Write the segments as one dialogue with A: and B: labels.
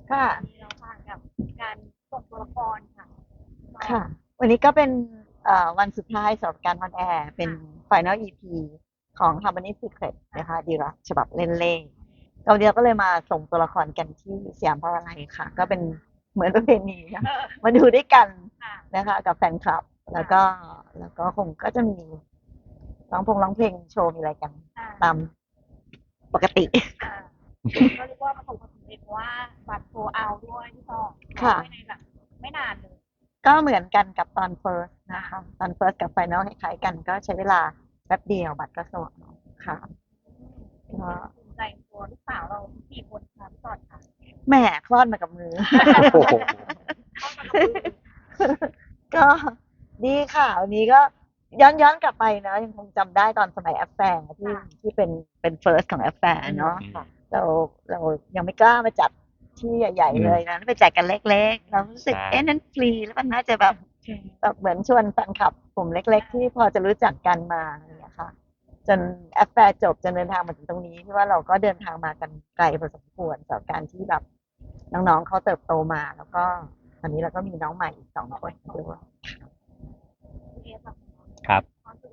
A: ค่ะ
B: เราผ่านกับการส่งตัวละครค่ะ
A: ค่ะวันนี้ก็เป็นวันสุดท้ายสำหรับการออนแอร์เป็น Final EP ของ Harmony Secret นะคะดีรักฉบับเล่นเล่เราเดียวก็เลยมาส่งตัวละครกันที่สยามพารากอนค่ะ ก็เป็นเหมือนประเพณีค่ะมาดูด้วยกันนะคะกับแฟนคลับแล้วก็คงก็จะมีร้องเพลงโชว์มีอะไรกันตามปกติ
B: ก็เรียกว่าประสบความสำเร็จเพราะว่าบัตรโซเอาด้วยที่ต่อ
A: ค่ะ
B: ในแบบไม่นานเลย
A: ก็เหมือนกันกับตอน First นะคะตอน First กับ Final คล้ายๆกันก็ใช้เวลาแป๊บเดียวบัตรก็ส่งค่ะก็
B: ภูมิใจตัวลูกสาวเราสี่คนค่ะพี่ต่อค่ะ
A: แหมคลอดมากับมือ
C: โอ้โห
A: ก็ดีค่ะวันนี้ก็ย้อนกลับไปนะยังคงจำได้ตอนสมัยแอปแฟร์ที่เป็น First ของแอปแฟร์เนาะเราเรายังไม่กล้ามาจัดที่ใหญ่ๆเลยนะไปแจกกันเล็กๆเรารู้สึกนั้นฟรีแล้วมันน่าจะแบบเหมือนชวนแฟนคลับกลุ่มเล็กๆที่พอจะรู้จักกันมาอย่างเงี้ยค่ะจนแอฟแฟร์จบจนเดินทางมาถึงตรงนี้ที่ว่าเราก็เดินทางมากันไกลพอสมควรสำหรับการที่แบบน้องๆเขาเติบโตมาแล้วก็ตอนนี้เราก็มีน้องใหม่อีก2 คนด้วย
C: ครับ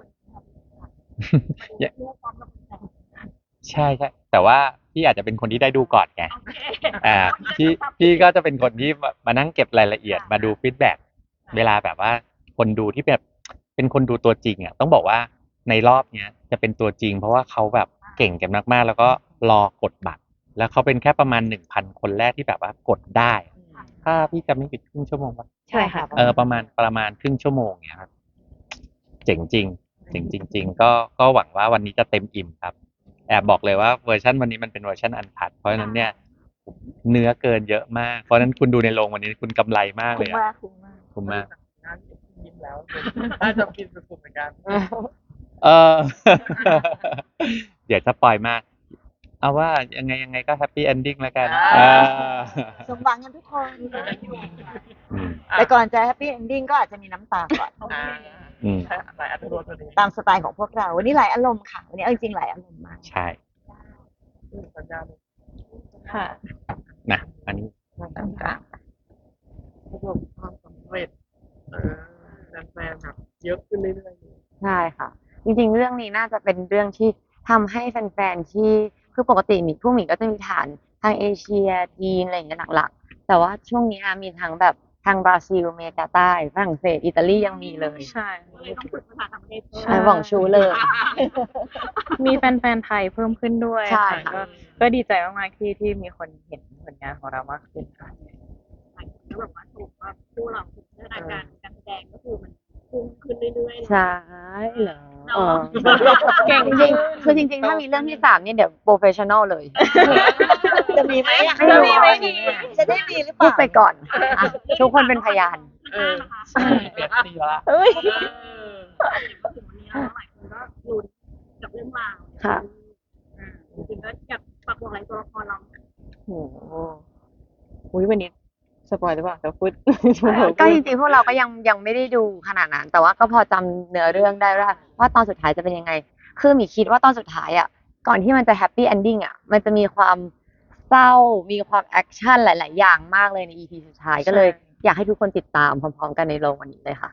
C: ใช่ใช่แต่ว่าพี่อาจจะเป็นคนที่ได้ดูก่อนไงอ่าพี่ก็จะเป็นคนที่มานั่งเก็บรายละเอียดมาดูฟีดแบ็กเวลาแบบว่าคนดูที่แบบเป็นคนดูตัวจริงอ่ะต้องบอกว่าในรอบเนี้ยจะเป็นตัวจริงเพราะว่าเขาแบบเก่งกันมากๆแล้วก็รอกดบัตรแล้วเขาเป็นแค่ประมาณ1,000 คนแรกที่แบบว่ากดได้ถ้าพี่จำไม่ผิดครึ่งชั่วโมงป่ะ
A: ใช่ค่ะ
C: ประมาณครึ่งชั่วโมงเนี้ยครับเจ๋งจริงเจ๋งจริงๆก็หวังว่าวันนี้จะเต็มอิ่มครับแอบบอกเลยว่าเวอร์ชันวันนี้มันเป็นเวอร์ชันอันพัดเพราะฉะนั้นเนี่ยเนื้อเกินเยอะมากเพราะฉะนั้นคุณดูในโรงวันนี้คุณกำไรมากเลยอะคุ้มมาก
D: ยิ้มแล้วน่าจะฟินสุดๆเหมือนกัน
C: เออ เดี๋ยวจะปล่อยมากเอาว่ายังไงก็แฮปปี้เอนดิ้งแล้วกัน
A: สมหวังกันทุกคนแต่ก่อนจะแฮปปี้เอนดิ้งก็อาจจะมีน้ำตาก่อน
D: หลายอัตราตัวนี้
A: ตามสไตล์ของพวกเราวันนี้หลายอารมณ์ค่ะวันนี้เอาจริงๆหลายอารมณ์มาก
C: ใช่
D: สัญญาณ
A: ค่ะ
C: นะอันนี้
A: ค่ะ
D: ประสบความสำเร็จแฟนๆแบบเยอะขึ้นเรื่อย
E: ใช่ค่ะจริงๆเรื่องนี้น่าจะเป็นเรื่องที่ทำให้แฟนๆที่คือปกติพวกหมีก็จะมีฐานทางเอเชียจีนอะไรอย่างเงี้ยหลักๆแต่ว่าช่วงนี้มีทั้งแบบทางบราซิลอเมริกาใต้ฝรั่งเศสอิตาลียังมีเลย
B: ใช่ต้องฝึกภาษาต่างประเทศ
E: ใช่หวังชูเลย
F: มีแฟนๆไทยเพิ่มขึ้นด้วย
E: ใช่
F: ค่ะ
E: ค่ะ
F: ก็ดีใจมากๆที่มีคนเห็นผลงานของเรามากขึ้นค่ะ
B: แล้วแบบว่าถูกว่าคู่เราพัฒนาการแสดงก็คือมันพุ่งขึ้นเรื่อยๆ
E: ใช่เหรอ
F: เก่ง
E: จริงๆคือจริงๆถ้ามีเรื่องที่3เนี่ยเดี๋ยวโปรเฟชชั่นอลเลย
A: จะมีไหม
E: จะมีไหม
A: จะได้มีหรือเป
E: พู
A: ล่า
E: ดไปก่อนทุกคนเป็นพยาน
D: ๆเปลี่ยนสีละ
F: เอ้ย
B: ถึงวันนี้แล้วหลายคนก็ลุ้นกับเรื่องราว
E: ค่ะ
B: จริงๆก็อยากฝากบอกอะไรตัวละครเรา
F: โอ้โหอุ๊ยวันนี้สปอยหรือเปล่าจะพูด
E: ก็จริงๆพวกเราก็ยังไม่ได้ดูขนาดนั้น แต่ว่าก็พอจำเนื้อเรื่องได้ว่าตอนสุดท้ายจะเป็นยังไง คือหมีคิดว่าตอนสุดท้ายก่อนที่มันจะแฮปปี้เอนดิ้งมันจะมีความเศร้ามีความแอคชั่นหลายๆอย่างมากเลยใน EP สุดท้ายก็เลยอยากให้ทุกคนติดตามพร้อมๆกันในโรงวันนี้เลยค่ะ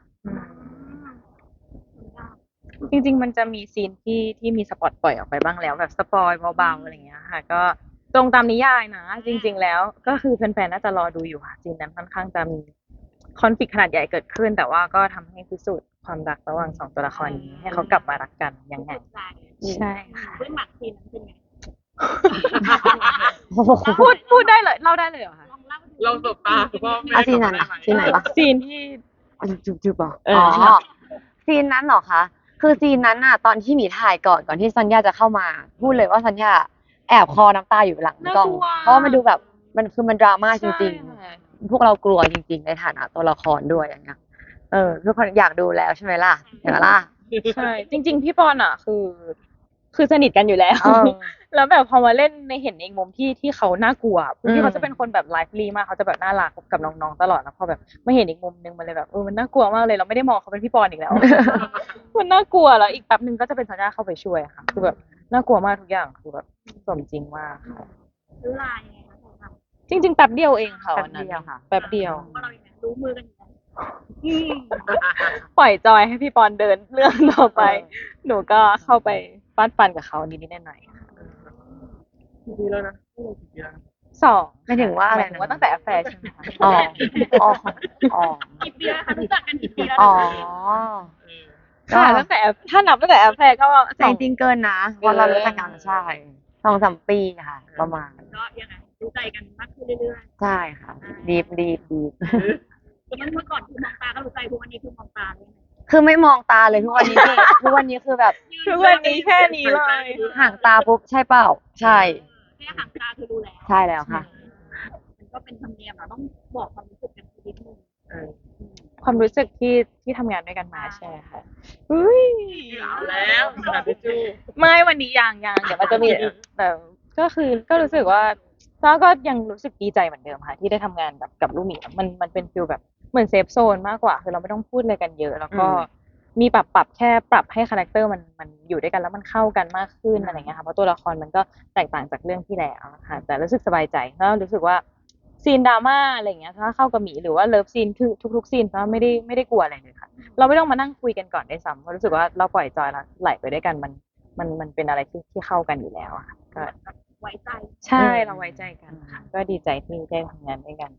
F: จริงๆมันจะมีซีนที่มีสปอตปล่อยออกไปบ้างแล้วแบบสปอยเบาๆอะไรอย่างเงี้ยค่ะ ก็ตรงตามนิยายนะ จริง ๆ แล้วก็คือแฟนๆน่าจะรอดูอยู่ค่ะซีนนั้นค่อนข้างจะมีคอนฟ lict ขนาดใหญ่เกิดขึ้น แต่ว่าก็ทำให้พิสูจน์ความรักระหว่าง2 ตัวละครนี้ให้เขากลับมารักกันยังไงใช่ค่ะ
B: เรื่องหมักซีนนั้นเป็นไง
F: พูดได้เลยเล่าได้เลยเหรอคะ
B: ลองเล่า
D: เราสบตาคุณพ่อแม่
E: ซีนนั้นซีนไหนวะ
F: ซีนที่
E: จุบๆบอก
F: เอ
E: อ๋
F: อ
E: อซีนนั้นเหรอคะคือซีนนั้นตอนที่หมีถ่ายก่อนที่ซันยาจะเข้ามาพูดเลยว่าซันยาแอบคอน้ำตาอยู่หลังกล้องเพราะว่ามันดูแบบมันดราม่าจริงๆพวกเรากลัวจริงๆในฐานะตัวละครด้วยอย่างเงี้ยทุกคนอยากดูแล้วใช่ไหมล่ะเห็นไหมล่ะ
F: ใช่จริง ๆ พี่ปอนคือสนิทกันอยู่แล้ว
E: เออ
F: แล้วแบบพอมาเล่นในเห็นอีกมุมที่เขาน่ากลัวที่เขาจะเป็นคนแบบไลฟ์ลีมากเขาจะแบบน่ารักกับน้องๆตลอดแล้วพอแบบมาเห็นอีกมุมนึงมันเลยแบบมันน่ากลัวมากเลยเราไม่ได้มองเขาเป็นพี่ปอนอีกแล้ว มันน่ากลัวแล้วอีกแป๊บนึงก็จะเป็นสัญญาเข้าไปช่วยค่ะคือแบบน่ากลัวมากทุกอย่างคือแบบสมจริงมากค่ะ
B: ซื้อลายยังไงคะ
F: จริงๆแป๊บเดียวเองค่ะวันนั้น
E: แป๊บเดียวค่ะ
F: แป๊บเดียว
B: ว่าเราอย่างนั้นรู้มือกันอยู่แล้ว
F: ปล่อยจอยให้พี่ปอนเดินเรื่องต่อไป หนูก็เข้าไปฟาดฟันกับเขานิดๆหน่อยๆค่ะ
D: กี่ปีแล้วนะพวกเรากี่ปีแล้วนะ
F: สอง
E: ไม่ถึงว่าอะไร
F: หมยถึงว่าตั้งแต่แอฟแฟร์ใช่ไหมคะ
E: อ๋ออ๋ออ๋อ
B: กี่ปีแล้วคะรู้จักกันกี่ปีแล้ว
E: อ๋อ
D: เออ
F: ค่ะตั้งแต่ถ้านับตั้งแต่แอฟแฟร์ก็
E: แต่จริงๆเกินนะเพราะเรารู้จักกันใช่2-3 ปีค่ะ ประมาณ
B: ก็ยังไงรู้ใจกันมากขึ้นเรื่อย
E: ใช่ค่ะ ดีบ
B: ๆแต่เมื่อก่อนคือมองตาก็รู้ใจทุกวันนี้คือมองตาเลย
E: คือไม่มองตาเลยทุกวันนี้พี่ ทุกวันนี้คือแบบ
F: ทุกวันนี้แค่นี้เลย
E: ห่างตาปุ๊บใช่เปล่า ใช่
B: แค่ห่างตาคือรู้แล้ว
E: ใช่แล้วค่ะ
B: มันก็เป็นธรรมเนียมเราต้องบอกความรู้สึกกันสักนิดนึง
D: เออ
F: ความรู้สึกที่ทำงานด้วยกันมาใช่ค่ะอุ้ย
D: เอาแล้วกระดาษทิชชู่
F: ไม่วันนี้ยังเดี๋ยวมันจะมีแต่ก็รู้สึกว่าก็ยังรู้สึกดีใจเหมือนเดิมค่ะที่ได้ทำงานกับลูกหมีมันเป็นฟีลแบบเหมือนเซฟโซนมากกว่าคือเราไม่ต้องพูดอะไรกันเยอะ แล้วก็มีปรับแค่ปรับให้คาแรคเตอร์มันอยู่ด้วยกันแล้วมันเข้ากันมากขึ้นอะไรเงี้ยค่ะเพราะตัวละครมันก็แตกต่างจากเรื่องที่แล้วค่ะแต่รู้สึกสบายใจแล้วรู้สึกว่าซีนดราม่าอะไรเงี้ยถ้าเข้ากับหมีหรือว่าเลิฟซีนคือทุกๆซีนก็ไม่ได้กลัวอะไรเลยค่ะเราไม่ต้องมานั่งคุยกันก่อนได้ซ้ำเพราะรู้สึกว่าเราปล่อยจอยแล้วไหลไปด้วยกันมันเป็นอะไรที่เข้ากันอยู่แล้วอะค่ะก็
B: ไว้ใจ
F: ใช่เราไว้ใจกันค่ะก็ดีใจที่ได้ทำงานด้วยกัน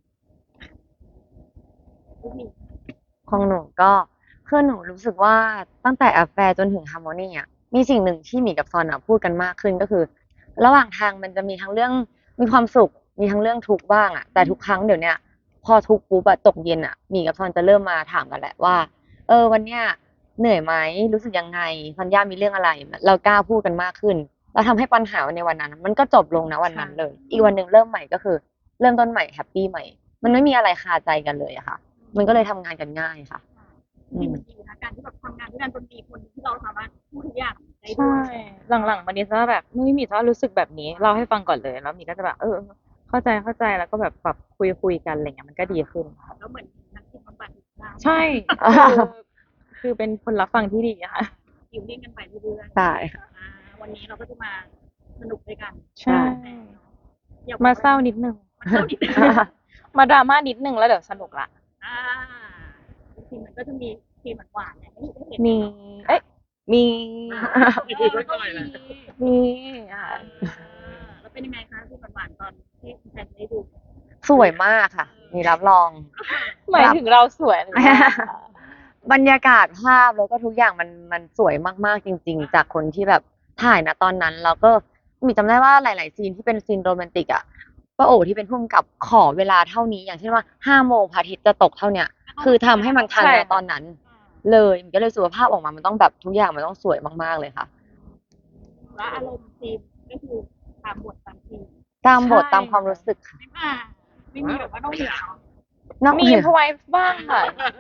B: ลูกหมี
E: ของหนูก็คือหนูรู้สึกว่าตั้งแต่แอฟแฟร์จนถึงฮาร์โมนีอ่ะมีสิ่งหนึ่งที่หมีกับซอนอ่ะพูดกันมากขึ้นก็คือ ระหว่างทางมันจะมีทั้งเรื่องมีความสุขมีทั้งเรื่องทุกข์บ้างอ่ะแต่ทุกครั้งเดี๋ยวเนี้ยพอทุกข์ปุ๊บอะตกเย็นอ่ะหมีกับซอนจะเริ่มมาถามกันแหละว่า วันเนี้ยเหนื่อยไหมรู้สึกยังไงซันย่ามีเรื่องอะไรเรากล้าพูดกันมากขึ้นเราทำให้ปัญหาในวันนั้น มันก็จบลงนะวันนั้นเลย อีกวันหนึ่งเริ่มใหม่ก็คือ เริ่มต้นใหม่แฮปปี้ใหม่ มันไม่มีอะไรคาใจกันเลยอะค่ะ มันก็เลยทำงานกันง่ายค่ะ
B: จริงๆมันดีนะการที่แบบทำงานด้วยกันจนมีคนที่เราสามารถพูดทุกอย่างได้ด้
F: ใช่
B: วย
F: หลังๆมานี้จะแบบไม่มีจะรู้สึกแบบนี้เล่าให้ฟังก่อนเลยแล้วมีก็จะแบบเข้าใจแล้วก็แบบปรับคุยกันอะไรเงี้ยมันก็ดีขึ้นค่ะ
B: แล้วเหมือนนักจิตบำบัดนะ
F: ใช่คือเป็นคนรับฟังที่ดีอะค่ะ
B: อยู่นิ่งกันไปเรื่อยๆ
E: ใช่
B: วันนี้เราก็จะมาสนุกด้วยกัน
F: ใช่
B: อยก
F: มาเศร้านิดนึง
B: มาเศร้านิดนึง
F: มาดราม่านิดนึงแล้วเดี๋ยวสนุกละ
B: อ่าจริงๆมันก็จะมีซีนหวานๆเนี่ยให้ได้เห็น
F: มีมี
D: มีคุยไว้ก่อนเลย
F: มีค่ะ
B: แล้วเป็นยังไงคะซีนหวานๆตอนที่คุณแฟนได้ดู
E: สวยมากค่ะ มีรับรอง
F: หมายถึงเราสวยหรือเปล่า
E: บรรยากาศภาพแล้วก็ทุกอย่างมันสวยมากๆจริง ๆ จากคนที่แบบถ่ายนะตอนนั้นแล้วก็มีจำได้ว่าหลาย ๆ ซีนที่เป็นซีนโรแมนติกอ่ะป้าโอที่เป็นผู้กำกับขอเวลาเท่านี้อย่างเช่นว่า5 โมงพระอาทิตย์จะตกเท่าเนี้ยคือทำให้มันทัน
F: ใช่
E: ในตอนนั้น เลยมันก็เลยสุขภาพออกมามันต้องแบบทุกอย่างมันต้องสวยมากๆเลยค่ะ
B: แล้วอารมณ์ซีนก็คือตามบทตามซีน
E: ตามบทตามความรู้สึกค่ะ
B: ไม่มีแบบว่าต้องเหนือน
E: อก
F: มี
E: เหนือ
F: พอยบ้างค่ะ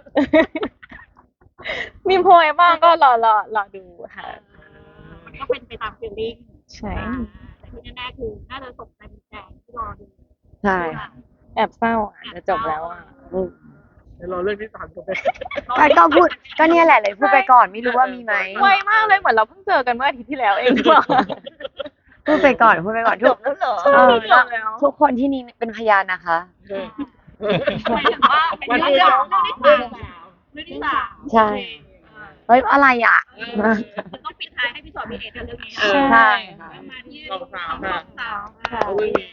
F: มีพอยบ้างก็รอดูค่ะ
B: มันก็เป็นไปตามฟีลลิ่ง
F: ใช่
B: แต่ที่แน่ๆคือน่าจะตกใจเป็นแฟนที่รอดู
E: ใช่ค่ะ
F: แอบเศร้าอ่ะจะจบแล้วอ่ะ
E: อืม
D: เดี๋ยวรอเรื่องที่สามจบไป
E: ก็พูดก็เนี่ยแหละเลยพูดไปก่อนไม่รู้ว่ามีไหม
F: ไวมากเลยเหมือนเราเพิ่งเจอกันเมื่ออาทิตย์ที่แล้วเองหรือเปล่า
E: พูดไปก่อนทุก
A: แล้วเหรอ
F: จบแล้ว
E: ทุกคนที่นี่เป็นพยานนะคะ
B: หมายถึงว่าเป็นเรื่องที่สาม
E: ใช่ เฮ้ยอะไรอ่ะ
B: จะต้องปิดท้ายให้พี่สอนพี่เอกเรื่องนี้
E: ใช่ค่ะ
B: มาที่
D: สองสาวค่ะ
B: สาว
D: เอาเรื่องนี้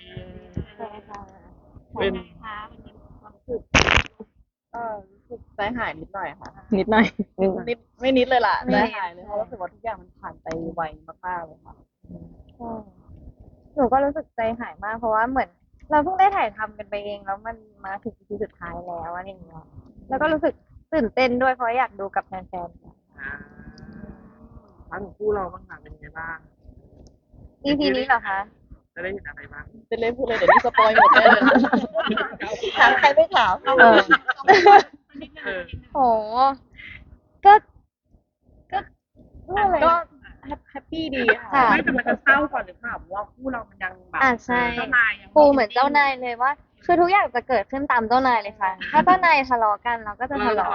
B: เป็นไงคะวันนี้ความรู้สึก
G: รู้สึกใจหายนิดหน่อยค่ะ
F: นิดหน่อย
G: นิดไม่นิดเลยล่ะใจหายเลยเพราะรู้สึกว่าทุกอย่างมันผ่านไปไวมากๆเลยค่ะ
H: หนูก็รู้สึกใจหายมากเพราะว่าเหมือน เราเพิ่งได้ถ่ายทำกันไปเองแล้วมันมาถึงทีสุดท้ายแล้วอะไรอย่างเงี้ยแล้วก็รู้สึกตื่นเต้นด้วยเพราะอยากดูกับแฟน
D: ทั้งคู่เราบ้างค่ะเป็นยังไงบ้าง
H: ๆ EP นี้เหรอคะ
D: จะได้เห็นอะไรบ้าง
G: เป็นเล่นพูดเลยเดี๋ยวนี้สปอยหมดเลย
A: ถามใครไม่ถาม
E: เออ
D: เออ
H: โหก็อะไร
G: ก็แฮปปี้ดีค่ะ
H: ค่ะ
D: ไม่แต่มันจะเศร้าก่อนหรือเปล่าเพราะว่าคู่เรามันยังแบบ
H: ใช่
B: เจ้านายยัง
H: ปูเหมือนเจ้านายเลยว่า คือทุกอย่างจะเกิดขึ้นตามเจ้านายเลยค่ะ ถ้าเจ้านายทะเลาะกันเราก็จะทะเลาะ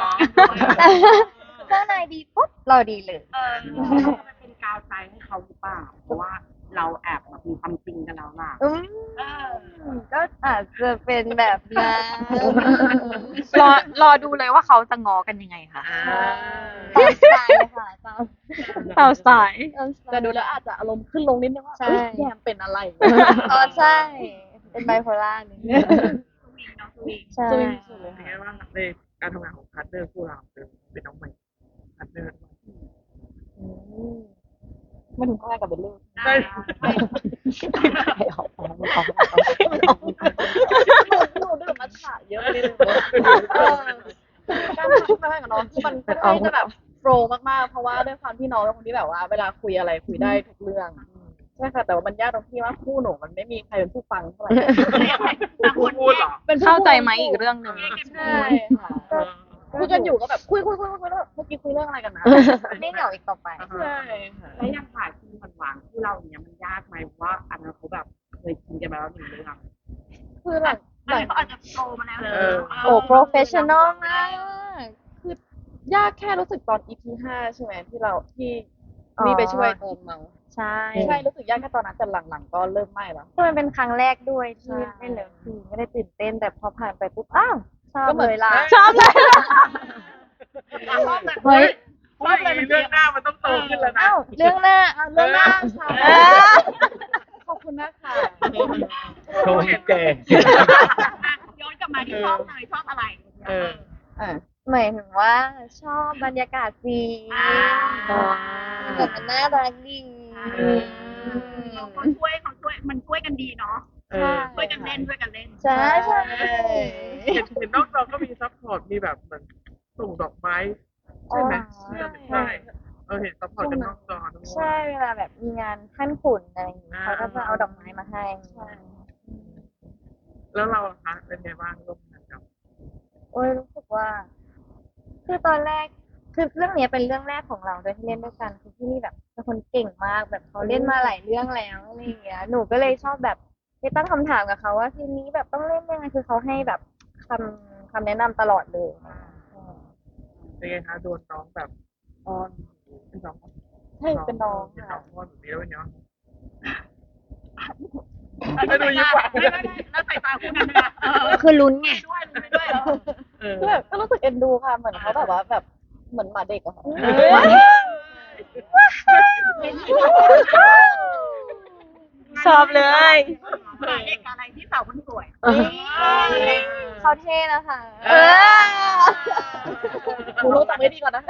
H: เจ้านายดีปุ๊บเราดีเลย
B: มันเป็นกาวใจให้เขาหรือเปล่าเพราะว่าเราแอบแบบมีความจริงกันแล้วล่ะ
H: ก็อาจจะเป็นแบบนั้น
F: รอดูเลยว่าเขาจะง้อกันยังไงค่ะ
H: ตามสไตล์เลยค่ะตาม
F: ตามสไตล์
G: แต่ดูแล้วอาจจะอารมณ์ขึ้นลงนิดนึงว่า
H: ใช่
G: เอ้ยแยมเป็นอะไร
H: อ๋อใช่ เป็นไบโพล่านิดนึง
B: สวิงเนาะสวิง
H: ใช่
G: สวิงสุดเลย
D: เป็นไงบ้างในการทำงานของพาร์ทเนอร์คู่เราเป็นน้องใหม่พาร์ทเนอร์
G: มาถึงข้างกับเบลลี่
D: ใช่
G: หนูดื่มมัทฉะเยอะไปนิดนึงการทำงานกับน้องคือมันค่อนข้างจะแบบโฟล์มากๆเพราะว่าด้วยความที่น้องเป็นคนที่แบบว่าเวลาคุยอะไรคุยได้ทุกเรื่องใช่ค่ะแต่ว่ามันยากตรงที่ว่าคู่หนูมันไม่มีใครเป็นผู้ฟังเท่าไหร่
D: พูดเหรอ
G: เป็นผู้
F: เข้าใจไหมอีกเรื่องหนึ่ง
G: ใช่ค่ะคุยกันอยู่ก็แบบคุยแล้วเมื่อกี้คุยเรื่องอะไรกันนะ
H: ไม่เหงาอีกต่อไป
G: ใช่ค่ะ
B: แล้วยังถ่ายซีนหวานๆที่เราเนี้ยมันยากไหมเพราะว่าอันนั้นเขาแบบเคยกินกันมาแล้วหนึ่งเรื่อง
G: คือหลัง
B: อันนี้เขาอาจจะโตมาแล้ว
H: โอ้ professional มาก
G: คือยากแค่รู้สึกตอน EP 5ใช่ไหมที่เราที่มีไปช่วยตอนเมา
H: ใช่
G: ใช่รู้สึกยากแค่ตอนนั้นแต่หลังๆก็เริ่มไม่แล้ว
H: คือมันเป็นครั้งแรกด้วยที่
G: ใช่
H: เล่นเลิฟซีนไม่ได้ตื่นเต้นแต่พอผ่านไปปุ๊บอ้าวชอบ
G: ก็เหมือน
H: เลยล่ะ
F: ชอบเลย
H: เฮ้ย
D: เพราะว่าเรื่องหน้ามันต้องโตขึ้นแล้วนะ
H: อ้าวเรื่องหน้า
G: เรื่องหน้าใช่
H: เออ
G: ขอบคุณนะคะ
C: โชว์เก่ง
B: ย้อนกลับมาที่ชอบเลยชอบอะไร
G: อ่า
H: หมายถึงว่าชอบบรรยากาศซีนแบบมันน่ารักดี
B: เขาช่วยมันช่วยกันดีเนาะ ช่วยกันเล่น
H: ใช่ใช่
D: เห็นนอกจอก็มีซัพพอร์ตมีแบบเหมือนส่งดอกไม้ใช่ไหมใช่เห็นซัพพอร์ตกันนอกจอด้วย
H: ใช่เวลาแบบมีงานขั้นขุนอะไรอย่างเงี้ยเขาก็จะเอาดอกไม้มาให้
D: แล้วเราคะเป็นไงบ้างร่วมงานกับ
H: โอ้ยรู้สึกว่า คือตอนแรกคือเรื่องเนี้ยเป็นเรื่องแรกของเราด้วยที่เล่นด้วยกันคือที่นี่แบบเป็นคนเก่งมากแบบเขาเล่นมาหลายเรื่องแล้วอะไรอย่างเงี้ยหนูก็เลยชอบแบบไปตั้งคำถามกับเขาว่าทีมนี้แบบต้องเล่นยังไงคือเขาให้แบบคำแนะนำตลอดเลย
D: เป็นไงคะโดนน้องแบบอ้อนเป็นน้อง
G: ใช่เป็นน้อง
D: เป็นน้
G: ค่ะ
D: องอ้อนแบบนี้แล้วเป็นไงบ้าง
B: ไม่ดูยิ้มหวานแล้วใส่ตาคู่นั้นเลย
E: คือลุ้นไง
B: ด้วย
G: คือแบบก็รู้สึกเอ็นดูค่ะเหมือนเขาแบบว่าแบบเหมือนหมาเด็กอะค่ะ
F: ชอบเลย
B: เอกอะไรที่สาวคนสวย
H: เขาเท่นะคะ
G: กูรู้จักไม่ดีก่อนนะ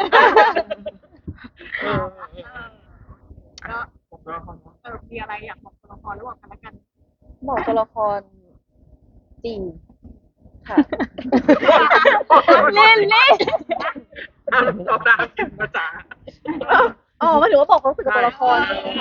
B: ก็
D: ผมก็คอน
B: มีอะไรอยากบอกตัวละครระหว่างกันและกัน
G: บอกตัวละครจริงค่ะ
F: เล่น
D: ตอบตามกินภาษา
G: อ๋อหมายถึงว่าบอกความรู้สึกกับตัวละครนะคะ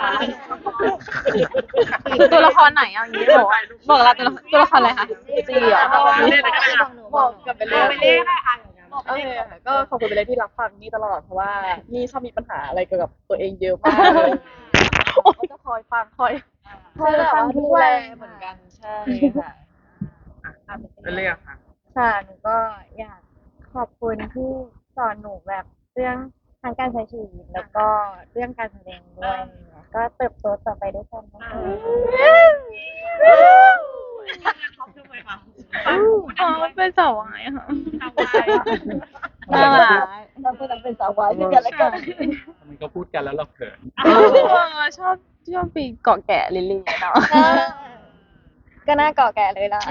F: ตัวละครไหนเอาอย่างนี้บอกเราตัวละครอะไรคะ
G: จริงเหรอ
D: เล่นอะไรกันนะ
G: บอกกับเบล
B: ไป
G: เล่
B: เล่นได้อ่ะ
G: โอเคค่ะก็ขอบคุณเบลเล่ที่รับฟังนี่ตลอดเพราะว่านี่ชอบมีปัญหาอะไรเกี่ยวกับตัวเองเยอะมากเลยเขาจะคอยฟังคอยแบบว่าดูแลเหมือนกันใช่ค่ะ
D: เป็นเรื่องค่ะ
H: ค่ะหนูก็อยากขอบคุณที่สอนหนูแบบเรื่องทางการใช้ชีวิตแล้วก็เรื่องการแสดงด้วยเนี่ยก็เติบโตต่อไปด้วยกันนะคะ
F: อ๋อเป็นสาววายค่ะ
B: น่า
F: น่ารัก
A: เราเป็นสาววายด้วยกันแล้วกัน
C: มันก็พูดกันแล้วเราเขิน
F: ชอบปีเกาะแกะลิลลี่เนาะ
H: ก็น่าเกาะแก่เลยล่ะ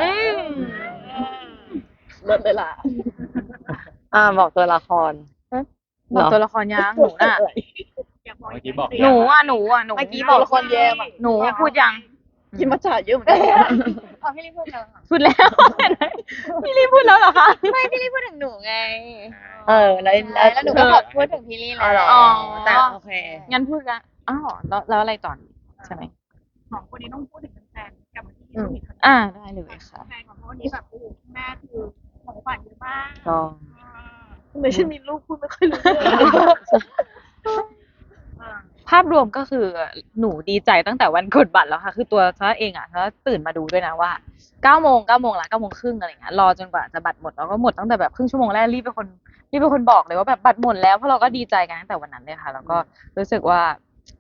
G: เลิศเลยล่ะ
E: บอกตัวละคร
F: บอกตัวละครยังหนูน่ะ
C: เมื่อกี้บอก
F: หนู
G: เมื่อกี้บอกละครแยมอ่ะ
F: หนูพูดยัง
G: กินมัทฉะเยอะเหมือนกัน
H: เอาพี่ลี่พูดกันค่ะ
F: พูดแล้วพี่ลี่พูดแล้วเหรอคะ
H: ไม่พี่ลี่พูดถึงหนูไง
E: แล้ว
H: แล้วหนูก็ขอพูดถึงพี่ลี่แล้ว
F: อ๋อ
E: แต่โอเค
F: งั้นพูดกันอ้าวแล้วอะไรต่อใช่ไหม
B: สองคนนี้ต้องพูดถึงแฟนกับที่มี
F: ได้เลยค่ะ
B: แฟนของเขาวันนี้แบบโอ้แม่คือของขวัญเยอะมาก
E: ก็
G: ไม่ใช่มีลูกพูดไม่ค่อยรู้เรื่อง
F: ภาพรวมก็คือหนูดีใจตั้งแต่วันกดบัตรแล้วค่ะ คือตัวซะเองอ่ะซะตื่นมาดูด้วยนะว่า9 โมงละ9 โมงครึ่งอะไรเงี้ยรอจนกว่าจะบัตรหมดแล้วก็หมดตั้งแต่แบบครึ่งชั่วโมงแรกรีบเป็นคนบอกเลยว่าแบบบัตรหมดแล้วเพราะเราก็ดีใจกันตั้งแต่วันนั้นเลยค่ะแล้วก็รู้สึกว่า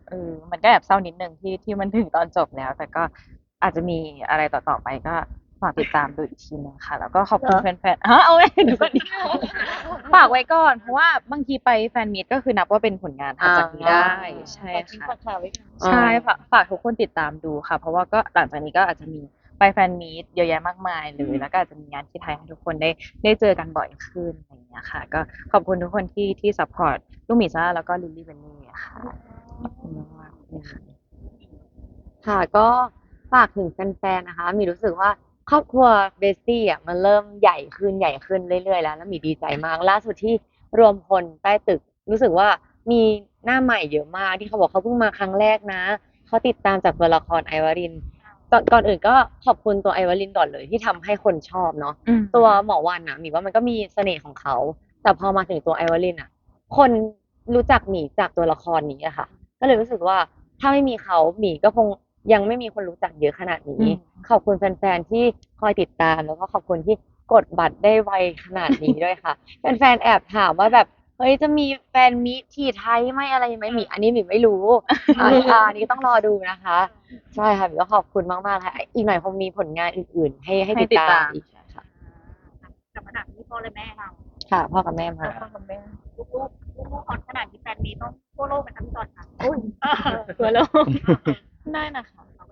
F: มันก็แอบเศร้านิดนึงที่มันถึงตอนจบแล้ว แต่ก็อาจจะมีอะไรต่อๆไปก็ฝากติดตามดูอีกทีนึงค่ะ แล้วก็ขอบคุณแฟนๆเอาไว้ดูก่อนดิฝากไว้ก่อนเพราะว่าบางทีไปแฟนมีตก็คือนับว่าเป็นผลงานถัดจากนี้ได้ใช่ค่ะ
A: ฝากข่าวไว้ก่อน
F: ใช่ฝากทุกคนติดตามดูค่ะ เพราะว่าก็หลังจากนี้ก็อาจจะมีไปแฟนมีตเยอะแยะมากมายเลยแล้วก็อาจจะมีงานที่ไทยให้ทุกคนได้เจอกันบ่อยขึ้นอะไรอย่างเงี้ยค่ะ ก็ขอบคุณทุกคนที่ซัพพอร์ตลูกหมีซ่าแล้วก็ลิลลี่เบนนี่ค่ะขอบคุณมากๆเลยค่ะ
E: ค่ะก็ฝากถึงแฟนๆนะคะมีรู้สึกว่าครอบครัวเบสตี้อ่ะมันเริ่มใหญ่ขึ้นเรื่อยๆแล้วมีดีใจมากล่าสุดที่รวมพลใต้ตึกรู้สึกว่ามีหน้าใหม่เยอะมากที่เขาบอกเขาเพิ่งมาครั้งแรกนะเขาติดตามจากตัวละครไอวารินก่อนอื่นก็ขอบคุณตัวไอวารินก่อนเลยที่ทำให้คนชอบเนาะตัวหมอวันนะหมีว่ามันก็มีเสน่ห์ของเขาแต่พอมาถึงตัวไอวารินอ่ะคนรู้จักหมีจากตัวละครนี้อะค่ะก็เลยรู้สึกว่าถ้าไม่มีเขาหมีก็คงยังไม่มีคนรู้จักเยอะขนาดนี้ ขอบคุณแฟนๆที่คอยติดตามแล้วก็ขอบคุณที่กดบัตรได้ไวขนาดนี้ด้วยค่ะ แฟนๆแอบถามว่าแบบเฮ้ยจะมีแฟนมีตที่ไทยไหมอะไรไหมหมีอันนี้หมีไม่รู้อันนี้ต้องรอดูนะคะ ใช่ค่ะหมีก็ขอบคุณมากๆค่ะอีกหน่อยคงมีผลงานอื่นๆ ให้ติดตามอีกค่ะ
B: กับขนาดนี้พ่อและแม่เรา
E: ค่ะพ่อกับแม่มา
B: ลูกฮอตขนาดนี้แฟนมีต้องทั่วโลกไหมคะพี่จอนคะ
F: ตัวโลกได้นะคะ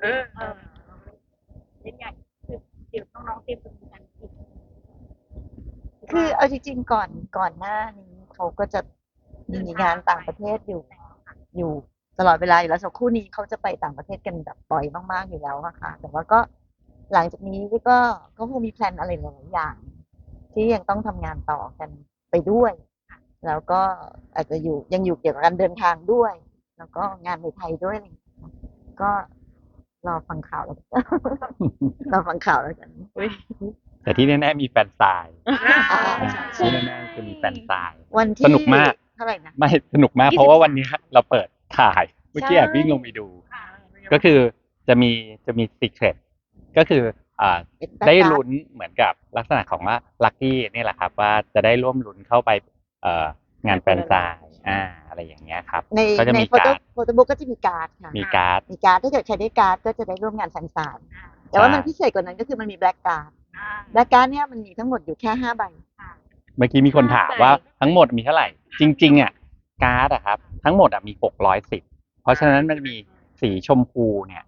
B: เล่นใหญ่คือเดี๋ยวน้องๆเตรียมตัวกันอีก
A: คือเอาจริงๆก่อนหน้านี้เขาก็จะมีงานต่างประเทศอยู่ตลอดเวลาอยู่แล้วสักครู่นี้เขาจะไปต่างประเทศกันแบบบ่อยมากๆอยู่แล้วอะค่ะ แต่ว่าก็หลังจากนี้ก็คงมีแพลนอะไรหลายๆอย่าง ที่ยังต้องทำงานต่อกันไปด้วย แล้วก็อาจจะยังอยู่เกี่ยวกับการเดินทางด้วย แล้วก็งานในไทยด้วยอะไรอย่างเงี้ยก็รอฟังข่าวแล้วกัน รอฟังข่าวแล้วกัน
C: แต่ที่แน่ๆมีแฟนสาย
A: ใช่
C: ที่แน่ๆคือมีแฟนสาย
A: วันที่
C: สนุกมาก
A: เท่าไหร่นะ
C: ไม่สนุกมากเพราะว่าวันนี้เราเปิดถ่ายเมื่อกี้แอบวิ่งลงไปดู ก็คือจะมีซีเครตก็คือได้ลุ้นเหมือนกับลักษณะของว่าลัคกี้นี่แหละครับ ว่าจะได้ร่วมลุ้นเข้าไปงานแฟนซายอะไรอย่างเงี้ยครับ ก็จะ
A: ใน
C: มี
A: โฟโต้
C: การ์ด
A: บุ๊กก็จะมีการ์ดค่ะ
C: มีการ์ด
A: ถ้าเกิดใครได้การ์ดก็จะได้ร่วมงานแฟนซายแต่ว่ามันพิเศษกว่านั้นก็คือมันมีแบล็กการ์ดแบล็กการ์ดเนี่ยมันมีทั้งหมดอยู่แค่5 ใบ
C: เมื่อกี้มีคนถามว่าทั้งหมดมีเท่าไหร่ จริงๆอ่ะการ์ดอะครับทั้งหมดอะมี610เพราะฉะนั้นมันมีสีชมพูเนี่ย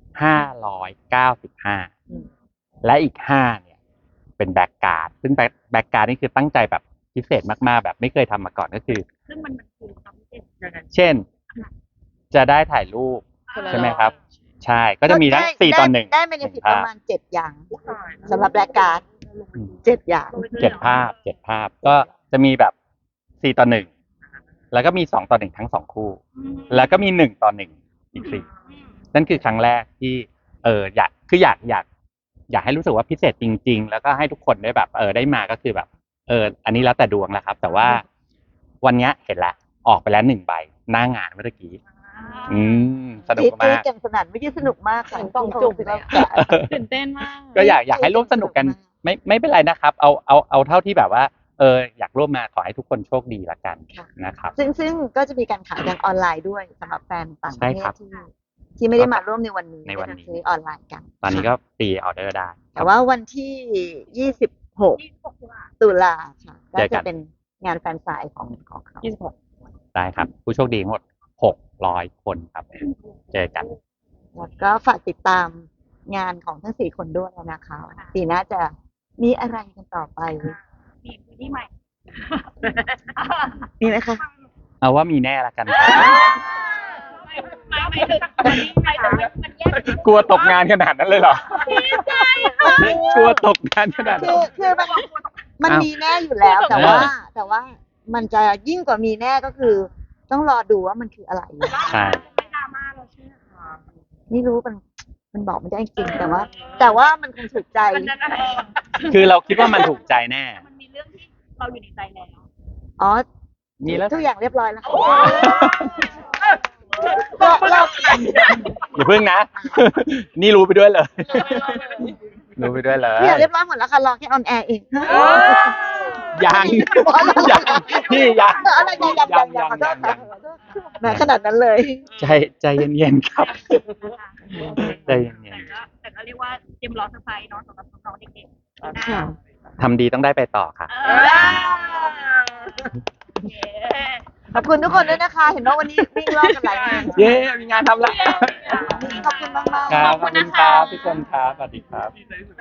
C: 595และอีก5เนี่ยเป็นแบ็กการ์ดซึ่งแบ็กการ์ดนี่คือตั้งใจแบบพิเศษมากๆแบบไม่เคยทำมาก่อนก็คือ
B: ซึ่งมันคือความพิเศษยังไง
C: เช่น จะได้ถ่ายรูปใช่ไหมครับ ใช่ก็จะมีทั้ง4 ต่อ 1
A: ได้เบเนฟิตประมาณ7 อย่างสำหรับแบล็กการ์ด7 อย่าง
C: 7 ภาพก็จะมีแบบ4 ต่อ 1แล้วก็มี2 ต่อ 1ทั้ง2คู่ แล้วก็มี1 ต่อ 1อีก4นั่นคือครั้งแรกที่อยากให้รู้สึกว่าพิเศษจริงๆแล้วก็ให้ทุกคนได้แบบได้มาก็คือแบบอันนี้แล้วแต่ดวงแล้วครับ แต่ว่าวันนี้เห็นแล้วออกไปแล้ว1 ใบหน้างานเมื่อกี้สนุกมาก
A: กันสนั่นไม่ใช่สนุกมากค่ะ
E: กล่องจุ่มเลยอะ
F: ตื่นเต้นมาก
C: ก็อยากให้ร่วมสนุกกันไม่เป็นไรนะครับ เอาเท่าที่แบบว่าอยากร่วมมาขอให้ทุกคนโชคดีละกันนะครับ
A: ซึ่งก็จะมีการขายทางออนไลน์ด้วยสำหรับแฟนต่างประ
C: ใช่
A: เท
C: ครั
A: ศ
C: บ
A: ที่ไม่ได้มาร่วมในวันนี้
C: ในวันนี้
A: ก็จะซื้อออนไลน์กัน
C: ตอนนี้ก็ฟรีออเดอร์ได้
A: แต่ว่าวันที่26 ตุลาค่ะก็
C: เจอกั
A: จะ
C: น
A: เป็นงานแฟนสายของเขา
C: ได้ครับ ผู้โชคดีทั้งหมด600 คนครับ เจอกัน
A: แล้วก็ฝากติดตามงานของทั้ง4 คนด้วยนะคะปีหน้าจะมีอะไรกันต่อไป
B: มีพื้นที่ใหม่
A: มีไหมคะ
C: เอาว่ามีแน่ละกันครับ
B: ไม่ถึงมันแยก
C: กลัวตกงานขนาดนั้นเลยเหรอ กลัวตกงานขนาดนั้น
A: คือมัน
C: อ้าว
A: มีแน่อยู่แล้ว แต่ว่ามันจะยิ่งกว่ามีแน่ก็คือ ต้องรอดูว่ามันคืออะไร
C: ใช่
B: ไม่ดราม่าเราใช่ไหมคะ
A: ไม่รู้มันบอกไม่ได้จริงแต่ว่ามันคงถูกใจ
B: มันนั้นอะไร
C: คือเราคิดว่ามันถูกใจแน่
B: มันมีเรื่องที่เราอยู่ในใจแล้ว
A: อ๋อ
C: มีแล้ว
A: ทุกอย่างเรียบร้อยแล้ว
C: อย่าพึ่งนะ นี่รู้ไปด้วยเลย รู้ไปด้วยเลย
A: ทุกอย่างเรียบร้อยหมดแล้วค่ะรอแค่ออนแอร์เอง
C: ยังพี่ยัง
A: อะไรยังขอโทษค่ะแหมขนาดนั้นเลย
C: ใจเย็นๆครับใจเย็น
B: แต่ก็เรียกว่าเตรียมรอเซอร์ไพรส์เนาะสำหรับน้องๆเด็กๆปีหน้า
C: ๆทำดีต้องได้ไปต่อค่ะ
B: โอเค
A: ขอบคุณทุกคนด้วยนะคะ เห็นว่าวันนี้วิ่งรอบกันหลายงาน
C: เย้มีงานทำแล้ว
A: ขอบคุณมากๆ
C: ครับขอบคุณครับทุกคนครับสวัสดีครับ